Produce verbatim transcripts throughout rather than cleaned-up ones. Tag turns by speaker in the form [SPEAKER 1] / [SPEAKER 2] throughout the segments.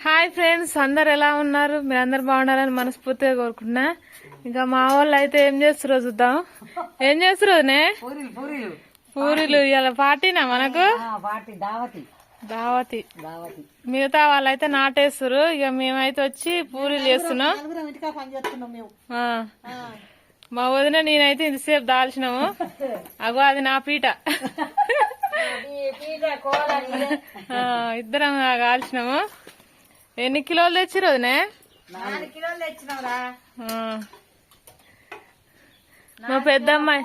[SPEAKER 1] Hi friends, అందరు ఎలా ఉన్నారు? మీరు అందరు బాగుండాలని మనస్ఫూర్తిగా కోరుకుంటున్నా. ఇంకా మా వాళ్ళు అయితే ఏం చేస్తున్నారు చూద్దాం. ఏం చేస్తున్నారు? పూరీలు. ఇలా పార్టీనా మనకు దావతి. మిగతా వాళ్ళైతే నాటేస్తారు. ఇక మేమైతే వచ్చి పూరీలు చేస్తున్నాం. మా వదిన నేనైతే ఇంతసేపు దాల్చినాము. అగో అది నా పీట. ఇద్దరం కాల్చినాము. ఎన్ని కిలోలు తెచ్చిరు వదినే?
[SPEAKER 2] నాలుగు కిలోలు తెచ్చినావురా.
[SPEAKER 1] మా పెద్దమ్మాయి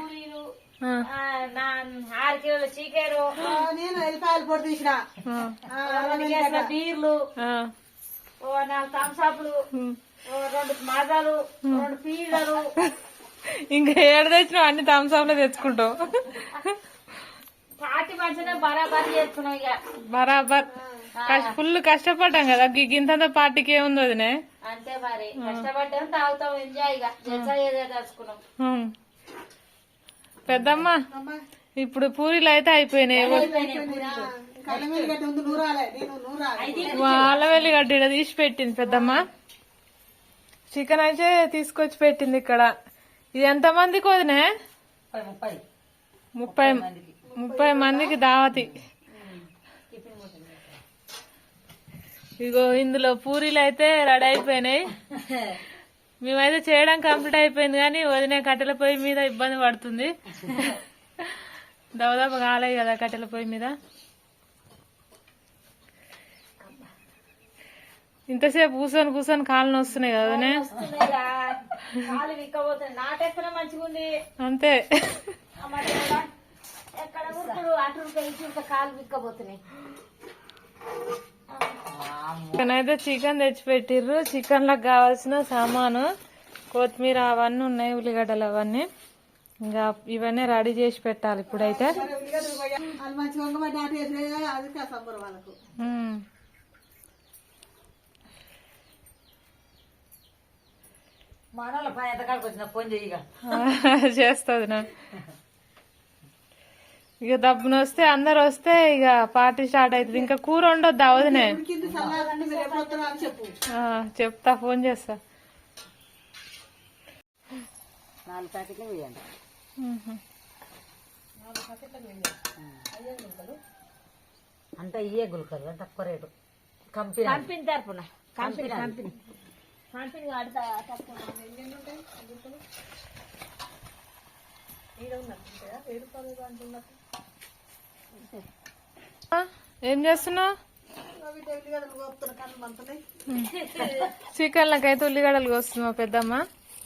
[SPEAKER 2] ఆరు కిలోల చీకేరు, నేను ఎల్లిపాయల పొడి తీసిన, బీర్లు, నాలుగు థమ్సాప్లు, రెండు మాజాలు, రెండు పీజలు.
[SPEAKER 1] ఇంకా ఏడు తెచ్చినావు? అన్ని థమ్సాప్లు తెచ్చుకుంటావు.
[SPEAKER 2] పార్టీ మంచిగా బరాబర్ చేస్తున్నావు. ఇక
[SPEAKER 1] బరాబర్ ఫుల్ కష్టపడ్డాం కదా. గింతంత పార్టీకి ఏముంది వదినే?
[SPEAKER 2] అంతే మరి, కష్టపడ్డాం, తాగుతాం, ఎంజాయ్. ఇక ఎంజాయ్ తెలుసుకున్నాం.
[SPEAKER 1] పెద్దమ్మ, ఇప్పుడు పూరీలు అయితే అయిపోయినాయి. అల్లవెల్లి గడ్డ తీసి పెట్టింది పెద్దమ్మ. చికెన్ అయితే తీసుకొచ్చి పెట్టింది ఇక్కడ. ఇది ఎంత మందికి వదినే? ముప్పై ముప్పై మందికి దావతి. ఇగో ఇందులో పూరీలు అయితే రెడీ అయిపోయినాయి. మేమైతే చేయడం కంప్లీట్ అయిపోయింది, కానీ వదిన కట్టెల పొయ్యి మీద ఇబ్బంది పడుతుంది. దవదవ కాలేదు కదా కట్టెల పొయ్యి మీద. ఇంతసేపు కూర్చొని కూర్చొని కాళ్ళు వస్తున్నాయి కదా వదినే? అంతే. చికెన్ అయితే చికెన్ తెచ్చిపెట్టిర్రు. చికెన్ లకు కావాల్సిన సామాను కొత్తిమీర అవన్నీ ఉన్నాయి, ఉల్లిగడ్డలు అవన్నీ. ఇంకా ఇవన్నీ రెడీ చేసి పెట్టాలి ఇప్పుడైతే. చేస్తుంది నా. ఇక దబ్బున వస్తే అందరు వస్తే ఇక పార్టీ స్టార్ట్ అవుతుంది. ఇంకా కూర ఉండొద్దు అవదునే? చెప్తా, ఫోన్ చేస్తా.
[SPEAKER 2] నాలుగు ప్యాకెట్లు వేయండి. అంటే ఇయే గుల్కలు తక్కువ రేటు. కంపెనీ కంపెనీ తరపున కంపెనీ కంపెనీ కంపెనీ
[SPEAKER 1] ఏం చేస్తున్నావు? చికెన్ లకైతే ఉల్లిగడ్డలు కోస్తుంది మా పెద్దమ్మ.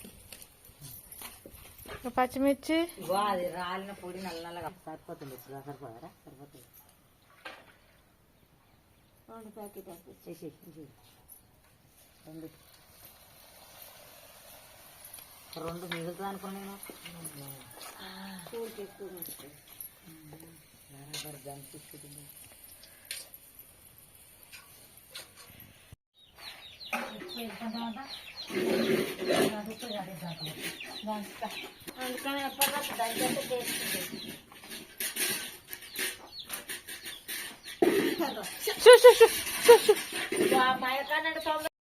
[SPEAKER 1] పచ్చిమిర్చి
[SPEAKER 2] రాలిన పొడి నల్ల నల్లగా సరిపోతుంది. సరిపోతారా? సరిపోతుంది. రెండు ప్యాకెట్ చేసి రెండు రెండు మిగులుతుంది అనుకున్నా నేను. అందుకని ఎప్పటికీ దగ్గర చేస్తుంది. మైకానండి తొందర